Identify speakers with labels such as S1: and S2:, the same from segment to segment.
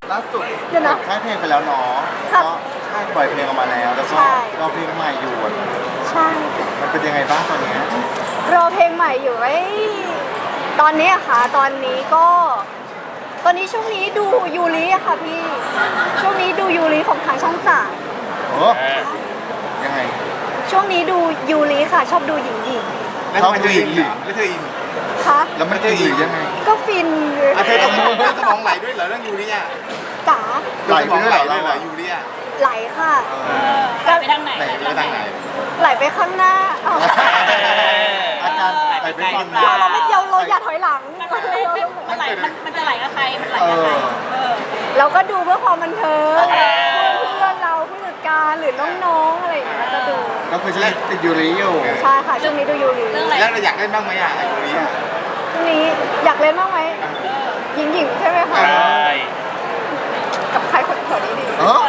S1: ล่าสุด
S2: เดี๋ยวนะ
S1: ค่ายเพลงไปแล้วเนาะ
S2: ครับ
S1: ก็ค่ายปล่อยเพลงออกมาแล้วแล้วก็
S2: ใช่
S1: รอเพลงใหม่อยู่
S2: ใช่
S1: มันเป็นยังไงบ้างตอนเนี้ย
S2: รอเพลงใหม่อยู่ไว้ตอนนี้อะค่ะตอนนี้ก็ตอนนี้ช่วงนี้ดูยูริอะค่ะพี่ช่วงนี้ดูยูริของทางช่องสาม
S1: โอ้ยังไง
S2: ช่วงนี้ดูยูริค่ะชอบดูหญิงหญิง
S3: แล้วทำไมเธออินล่ะแล้วเธออิน
S2: คะ
S1: แล้วมันจะอยู่ยังไง
S2: ก็ฟิน
S3: เธอสมองไหลด้วยเหรอเรื่องยูริอ่ะ
S2: จ๋า
S1: ไหลไปด้วยเหรอ
S3: เหรอยูริอ่ะ
S2: ไหลค่ะ
S4: ไหลไปทางไหน
S3: ไหนไปทางไหน
S2: ไหลไปข้างหน้าอ้าว
S1: อาการไหลไปก่อน
S4: ไหลไปไกลหรือเปล่
S2: เราไม่เดียวเราอย่าถอยหลัง
S4: มันไหลมันจะไหลกับใครมันไหล
S1: เอ
S4: กับใคร
S1: อ
S2: เราก็ดูเพื่อความบันเทิงเพื่อนเราผู้จัดการหรือน้องๆอะไรอย่างเงี้ยก็ดู
S1: ก็คือฉันติดยูริอยู่
S2: ใช่ค่ะช่วงนี้ดูยูริ
S4: เรื่องอะไร
S3: แล้วเราอยากเล่นบ้างไหมอ่ะยูริอ่ะ
S2: ช่วงนี้อยากเล่นบ้างไหมหญิงๆใช่ไหมคะกับใครคนแถวนี้ดี
S1: เออ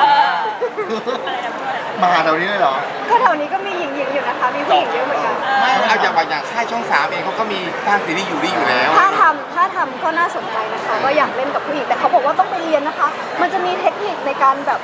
S1: มาหาแถวนี้เลยเหรอ
S2: ก็แถวนี้ก็มีหญิงๆอยู่นะคะมีผู้หญิงเยอะเหมือนกัน
S3: ไม่เอาอย่างค่ายช่อง3เองเขาก็มีสร้างซีรีส์ยูริอยู่แล้ว
S2: ถ้าทำก็น่าสนใจนะคะก็อยากเล่นกับผู้หญิงแต่เขาบอกว่าต้องไปเรียนนะคะ มันจะมีเทคนิคในการแบบ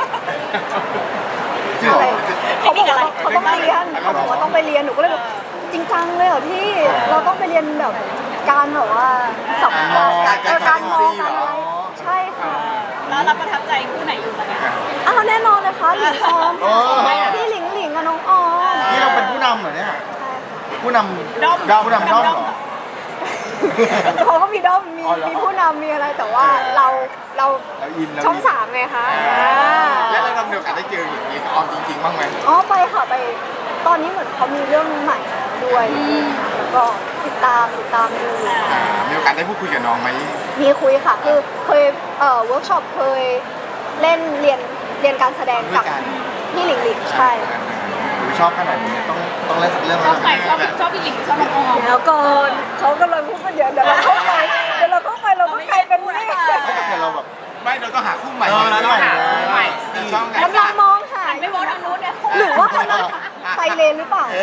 S2: อะไรเขาบอกว่าเขาต้องเรียนเขาบอกว่าต้องไปเรียนหนูก็เลยแบบจริงจังเลยเหรอที่เราต้องไปเรียนแบบการแบบว่าสัมผัสการมองการอะไรใช่ค่ะ
S4: แล้วเราประทับใจคู่ไหนอยู่ตอนนี้
S2: อ้าวแน่นอนเลยค่ะหลิงออม
S1: โอ้
S2: พี่หลิงกับน้องออม
S1: นี่เราเป็นผู้นำเหรอเนี่ย ผู้นำ
S4: ด้อม
S1: ผู้นำด้อมเหรอ
S2: เขาก็มีด้อมมี
S1: อ๋อเหรอ
S2: มีผู้นำมีอะไรแต่ว่าเรา
S1: เราอินเรา
S2: ช่อง
S1: อิน
S2: สามไงคะ
S3: แล้วเรามีโอกาสได้เจอหญิงออมจริงๆบ้างไหม
S2: อ๋อไปค่ะไปตอนนี้เหมือนเขามีเรื่องใหม่ด้วยแล้วก็ติดตามดู
S3: มีโอกาสได้พูดคุยกับน้องไหม
S2: มีคุยค่ะคือเคยเวิร์กช็อปเคยเล่นเรียนการแสดงกับพี่หลิงใช่
S1: ชอบขนาดนี้ต้องเล่นสักเรื่อง
S4: ช
S1: แล้
S4: อ
S1: ว
S4: บใครชอบพี่หญิงชอบน้องออม
S2: แล้วก่อนเขากำลังพูดกันเยอะเดี๋ยวเราเข้าไปเราก็กลายเป็นนี่
S1: แต่เราแบบ
S3: ไม่เราต้องหาคู่ใหม่
S1: แล้วใหม่
S3: ในช่องไง
S2: กำลังมองหา
S4: ไม่บอกทางนู้นเนี่ย
S2: หรือว่ากำลังไฟเลนหรือเปล่า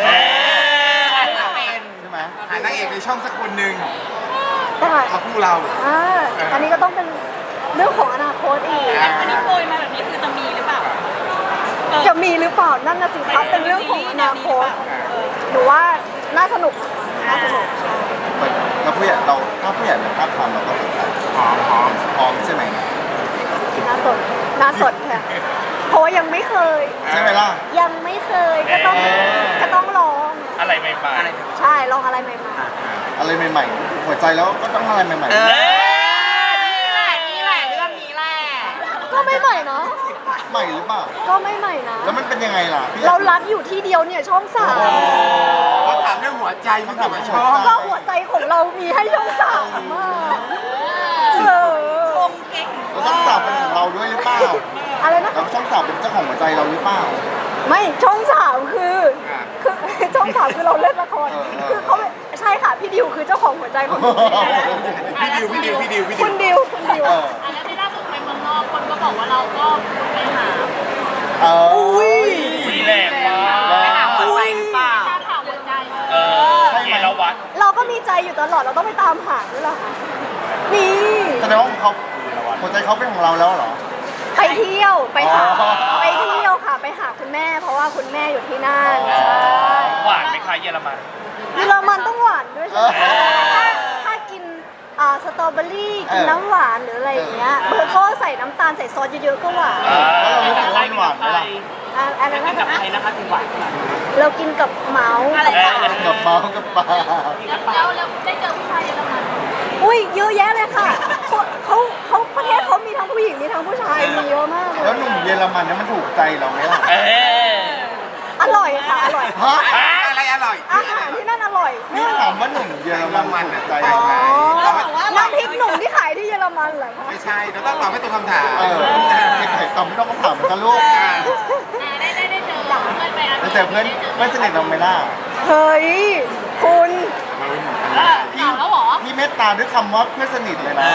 S1: ใช่ไหม
S3: หานางเอกในช่องสักคนหนึ่ง
S2: ได้
S3: มาคู่เรา
S2: อันนี้ก็ต้องเป็นเรื่องของอนาคตอีก
S4: อันนี้โปรยมาแบบนี้คือจะมีหรือเปล่า
S2: จะมีหรือเปล่านั่นน่ะสิครับเป็นเรื่องของอนาคตหนูว่าน่าสนุกใช่
S1: แล้วผู้ใหญ่เราถ้าผู้ใหญ่เป็นภาพทำเราก็สนใจ
S3: หอม
S1: พร้อมใช่ไหม
S2: น่าสนค่ะเพราะว่ายังไม่เคย
S1: ใช่ไหมล่ะ
S2: ยังไม่เคยก็ต้องลอง
S5: อะไรใหม่
S2: ใช่ลองอะไรใหม่
S1: อะไรใหม่ๆหัวใจแล้วก็ต้องอะไรใหม่
S4: นี่แหละเรื่องนี้แหละ
S2: ๆก็ไม่ใหม่เนาะ
S1: ๆใหม่หรือเปล่า
S2: ก็ไม่ใหม่นะ
S1: แล้วมันเป็นยังไงล่ะพี่
S2: เรารักอยู่ที่เดียวเนี่ยช่องสาม
S3: เขาถามเรื่องหัวใจไม่ถามว่าชอบ
S2: ก็หัวใจของเรามีให้ช่องสามมาก
S4: ชมเก่ง
S1: แล้วช่องสามเป็นของเราด้วยหรือเปล่า
S2: อะไรนะ
S1: แล้วช่องสามเป็นเจ้าของหัวใจเราหรือเปล่า
S2: ไม่ช่องสามคือช่องสามคือเราเล่นละคร คือเขาใช่ค่ะพี่ดิวคือเจ้าของหัวใจของหนู
S3: พี่ดิว
S2: คุณดิว
S1: เออ
S4: แล้วที่ล่าสุดไปเมืองนอกคนก็บอกว่าเราก็ไปหา
S2: อุ้ย
S5: ๆมีแรงมาก
S4: ไปหาหัวใจหรือเปล่าหาหัวใจ
S5: เอราวัต
S2: เราก็มีใจอยู่ตลอดเราต้องไปตามหาด้วยล่ะนี่
S1: แสดงว่าเขาหัวใจเขาเป็นของเราแล้วเหรอ
S2: ไปเที่ยวไปหา
S1: อ๋อ
S2: ไปเที่ยวค่ะไปหาคุณแม่ เพราะว่าคุณแม่อยู่ที่นั่นใช่
S5: หวานไหมคะเยอรมัน
S2: เยอรมันต้องหวานด้วยใช่ไหมถ้ากินสตรอเบอรี่กินน้ำหวานหรืออะไรอย่างเงี้ยเบอร์เกอร์ใส่น้ำตาลใส่ซอสเยอะๆก็หวาน
S1: แล้วเรารู้สึกว่ามันหวานไหมล่ะ
S2: อะไรนะ
S4: กับใครนะคะถึงหวานขนาดนี้
S2: เรากินกับเมาส์
S4: อะไรนะ
S1: กับเมากับปลา
S4: แล้วได้เจอผู้ชายเยอรมัน
S2: อุ้ยเยอะแยะเลยค่ะเขาประเทศเขามีทั้งผู้หญิงมีทั้งผู้ชายมีเยอะมากเล
S1: แล้ว
S2: ย
S1: หนุ่มเยอรมันเนี่ยมันถูกใจเราไหมล่ะ
S2: อร่อยค่ะอร่อย
S1: ฮะ
S3: อะไรอร่อย
S2: อาหารที่นั่นอร่อย
S1: นี่ถามว่าหนุ่มเยอรมันถูกใจ
S2: อ๋
S1: เรา
S2: อ
S1: ไหม
S2: น้ำพริกหนุ่มที่ขายที่เยอรมันเหรอคะ
S3: ไม่ใช่เราต้องตอบให้ตรงคำถาม
S1: เออไข่ตอมไม่ต้องมาถามมันกันลูก
S4: ได้เจอเพื่อนไป
S1: แล้วเจอเพื่อนสนิทเราไหมล่ะ
S2: เฮ้ยคุณ
S4: ถามแล้วหรอ
S1: พี่เมตตาด้วยคำว่าเพื่อนสนิทเลยนะ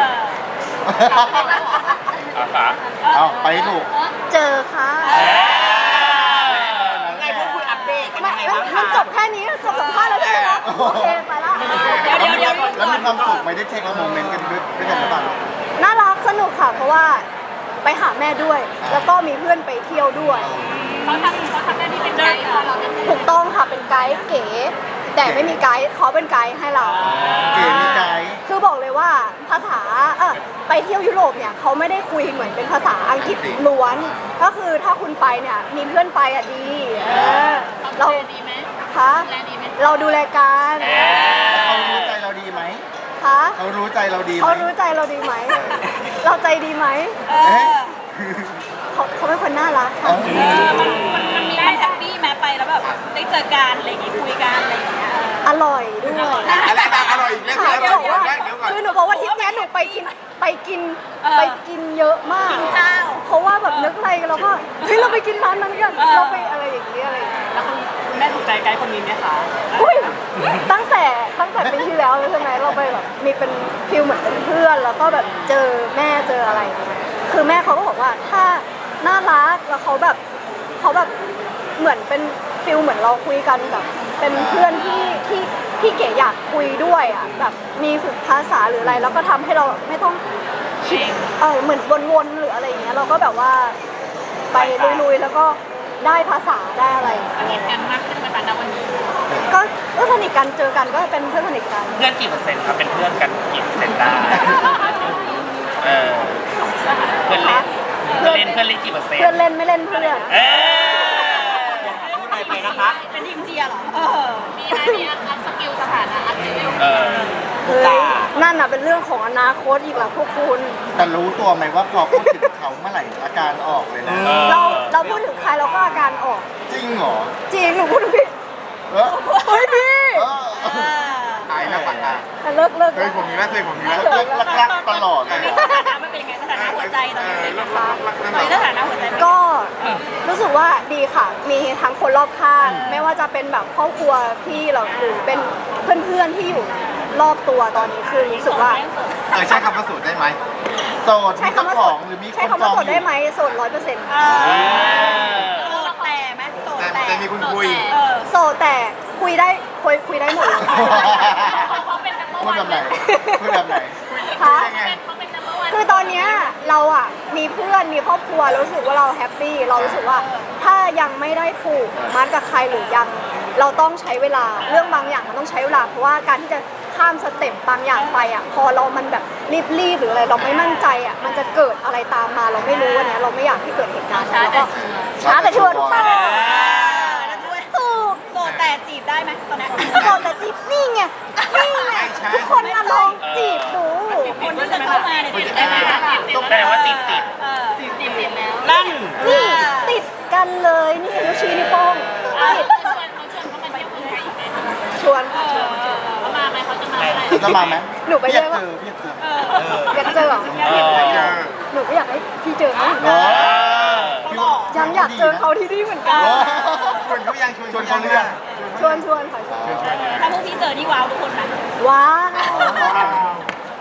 S5: อาขา
S1: เอาไปให้ถูก
S2: เจอค่ะ
S4: ไงพวกคุณอัปเดตกัน
S2: ไม่
S4: ยังไงบ้าง
S2: มัน
S4: คะ
S2: จบแค่นี้จบสัมภาษณ์แล้วใช่ไหมคะโอเคไปละ
S1: แล้วมีความสุขไหมได้เช็คโมเมนต์กันด้วยกันหรือเปล่า
S2: น่ารักสนุกค่ะ เพราะว่าไปหาแม่ด้วย แล้วก็มีเพื่อนไปเที่ยวด้วย
S4: เขาทำหน้าที่เป็นไกด์ของเราเนี่ย
S2: ถูกต้องค่ะเป็นไกด์เก๋ แต่ไม่มีไกด์เขาเป็นไกด์ให้เรา
S1: เก๋มีไกด์
S2: คือบอกเลยว่าภาษาไปเที่ยวยุโรปเนี่ยเขาไม่ได้คุยเหมือนเป็นภาษาอังกฤษล้วน ก็คือถ้าคุณไปเนี่ยมีเพื่อนไปอ่ะดีเรา
S4: ดูแลดีไหม
S2: คะ
S4: ดูแลดีไหม
S2: เราดูแลกัน
S1: เขารู้ใจเราดีไหม
S2: คะ
S1: เขารู้ใจเราดีไหม
S2: เขารู้ใจเราดีไหม เราใจดีไหม
S1: เอ๊ะ
S2: เขาเป็นคนน่ารักค่ะ
S6: มันแฮปปี้ไหมไปแล้วแบบได้เจอกันอะไรอย่างงี้คุยกันอะไรอย่างเงี้ย
S2: อร่อยด้วย
S3: อะไรนะอร่อยอีกแล้ว
S2: ค่ะ
S3: เดี๋ยว
S2: บอกว่า
S3: เดี๋ยวก่อน
S2: คือหนูบอกว่าทริปเนี้ยหนูไปกินเยอะมาก
S6: ข้าว
S2: เพราะว่าแบบนึกอะไรเราก็เฮ้ยเราไปกินร้านนั้นกันเราไปอะไรอย่างเงี้ยอะไรอย่างเงี้ย
S6: แล้วคุณแม่ถูกใจไกด์คนนี้ไหมคะ
S2: อุ้ยตั้งแต่ปีที่แล้วเลยใช่ไหมเราไปแบบมีเป็นฟิลเหมือนเป็นเพื่อนแล้วก็แบบเจอแม่เจออะไรอย่างเงี้ยคือแม่เขาก็บอกว่าถ้าน่ารักแล้วเขาแบบเหมือนเป็นฟิลเหมือนเราคุยกันแบบเป็นเพื่อนที่เก๋อยากคุยด้วยอ่ะแบบมีฝึกภาษาหรืออะไรแล้วก็ทำให้เราไม่ต้องคิดเหมือนวนๆหรืออะไรอย่างเงี้ยเราก็แบบว่าไปลุยๆแล้วก็ได้ภาษาได้อะไร
S4: สนิทกันมากขึ้นไหมคะณวันนี้
S2: ก็สนิทกันเจอกันก็เป็นเพื่อนสนิทกัน
S5: เพื่อนกี่เปอร์เซ็นต์ครับเป็นเพื่อนกันกี่เปอร์เซ็นต์ได้เออเพื่อนเล่นกี่เปอร์เซ็นต์
S2: เพื่อนเล่นไม่เล่นเพื่อน
S5: เอ๊ะ
S6: พูดอะไรไปนะคะ เป็นทีมเชียร์เหรอ
S4: มีไหมมีอัพสกิลสถานะอัพสกิล
S5: เออ
S2: เฮ้ยนั่นน่ะเป็นเรื่องของอนาคตอีกแล้วพวกคุณ
S1: แต่รู้ตัวไหมว่าพอพูดถึงเขาเมื่อไหร่อาการออกเลยนะ
S2: เราพูดถึงใครเราก็อาการออก
S1: จริงเหรอ
S2: จริงหนูพูดถึงพี่
S1: เออ
S2: เฮ้ยพี่
S1: เออ
S3: อายนะปากกา
S2: แต่เลิก
S3: เคยผมมีแล้วเคยผมมีแล้ว
S1: รักตลอดเลย
S6: สถานะมันเป็นยังไงสถานะหัวใจตอนนี้เป็นยังไง
S3: รักนั่น
S6: ตอนนี้
S3: แห
S6: ส
S3: ละ
S6: ถานะหัวใจเป็นยังไง
S2: ก็รู้สึกว่าดีค่ะ มีทั้งคนรอบข้างไม่ว่าจะเป็นแบบครอบครัวพี่เราหรือเป็นเพื่อนๆที่อยู่รอบตัวตอนนี้คือรู้สึกว่า
S3: ใช้คำว่าสูตรได้ไหม
S1: โสด
S2: ใช้
S1: มีเจ้า
S2: คำว่า
S1: ข
S2: โส
S1: อง
S2: ด
S1: หรือมีค
S2: ใช้
S1: น
S2: คำ
S1: จ
S2: ว่า
S1: อง
S2: โสด
S1: อ
S2: ได้
S1: ยู่
S2: ไหมโสด100%
S6: โสดแต่ไหมโสด
S3: แต่มีคุณคุย
S2: โสดแต่คุยได้หมดเลย
S4: เขาเป็นนัมเบอร์
S1: พูด
S4: วัน
S1: แบบไหนพูดแบบไหน
S2: ค่ะ
S4: เขาเป็นนัมเบอร์วัน
S2: คือตอนเนี้ยเราอ่ะมีเพื่อนมีครอบครัวรู้สึกว่าเราแฮปปี้เรารู้สึกว่าถ้ายังไม่ได้ผูกมัดกับใครหรือยังเราต้องใช้เวลาเรื่องบางอย่างมันต้องใช้เวลาเพราะว่าการที่จะข้ามสเต็ปบางอย่างไปอ่ะพอเรามันแบบรีบหรืออะไรเราไม่มั่นใจอ่ะมันจะเกิดอะไรตามมาเราไม่รู้วันนี้ยเราไม่อยากให้เกิดเหตุการณ์แล้วก็ช้าแต่ชัวร์ทุกคนถูก
S6: โสดแต่จีบได้ไหมตอนนี้
S2: โสดแต่จีบนี่ไงทุกคนน่ะลองจีบดู
S6: คนที่จะเข้ามาเนี่ยจีบได้ไหม
S5: แปลว่าติด
S4: จีบติดแล้ว
S6: นั่น
S2: นี่ติดกันเลยนี่นิ้วชี้นิ้วโป้งติด
S4: เขาชวนเขามาเที่ยวเมืองไทยอีกไหม
S2: ชวน
S4: เขามาไหมเขาจะมาไหม
S1: จะมาไหม
S2: หนูไป
S1: อยาก
S2: เจอ
S1: เจออยากเจอ
S2: อยากเจอเหรอ
S5: เออ
S2: หนูก็อยากให้พี่เจอเขา
S1: เนาะ
S2: ยังอยากเจอเขาที่นี่เหมือนกัน
S3: ชวนเขายังชวนเขาเรื่อง
S2: ชวนค่ะชวน
S6: ถ้าพวกพี่เจอนี่ว้าวทุกคนนะ
S2: ว้าว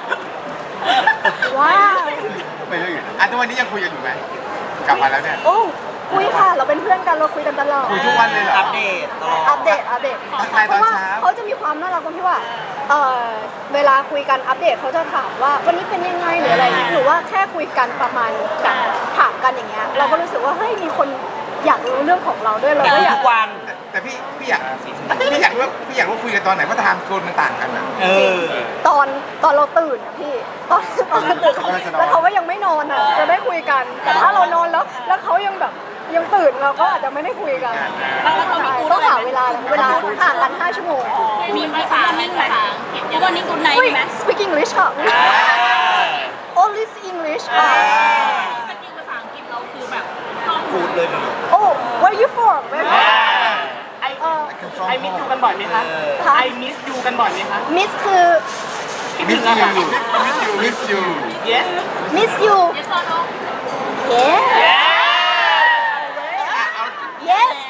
S2: ว้าว
S1: ไปเรื่อยอยู่
S3: ทุกวันนี้ยังคุยกันอยู่ไหมกลับมาแล้วเนี่ย
S2: โอ้คุยค่ะ เราเป็นเพื่อนกันเราคุยกันตลอด
S3: คุยทุกวันเลยเหรอ
S6: อัปเดตตลอด
S2: อัปเดต
S3: ทักทาย
S2: เพ
S3: ตอน
S2: ราะว่า
S3: เช้า
S2: เขาจะมีความน่ารักตรงที่ว่าเวลาคุยกันอัปเดตเขาจะถามว่าวันนี้เป็นยังไงหรืออะไรหรือว่าแค่คุยกันประมาณแบบถามกันอย่างเงี้ยเราก็รู้สึกว่าเฮ้ยมีคนอยากรู้เรื่องของเราด้วยเราก็อยาก
S3: แต่พี่อยากว่าคุยกันตอนไหนเพราะไทม์โซนมันต่างกันนะ
S2: จริงตอนเราตื่นอะพี่ตอนเราตื่นแล้วเขาก็ยังไม่นอนอะจะได้คุยกันแต่ถ้าเรานอนแล้วเขายังแบบยังตื่นเราก็อาจจะไม่ได้คุยกัน
S6: แล้วเขามีกู
S2: ต้องหาเวลาห่างกัน5 ชั่วโมง
S4: มีภาษาไหมภาษาอังกฤษ
S6: ทุกวันนี้กูไนท์
S2: อุ้ย
S6: ไหม
S2: speak English ค่ะ only English ค่ะ
S4: สกิลภาษาอังกฤษเราคือแบบคล่อง
S3: พูดเลย
S2: oh where you from where
S7: ไอมิสยูกันบ่อยไหมคะ
S2: ค่ะ
S7: ไอมิสยูกันบ่อยไหมคะ
S2: miss คือ
S7: คิด
S1: มิ
S7: ถึ
S1: ส
S7: งอะ
S1: ยู
S7: ค่ะ
S3: มิสยู
S7: yes
S2: miss you
S4: yes or no
S2: yes yes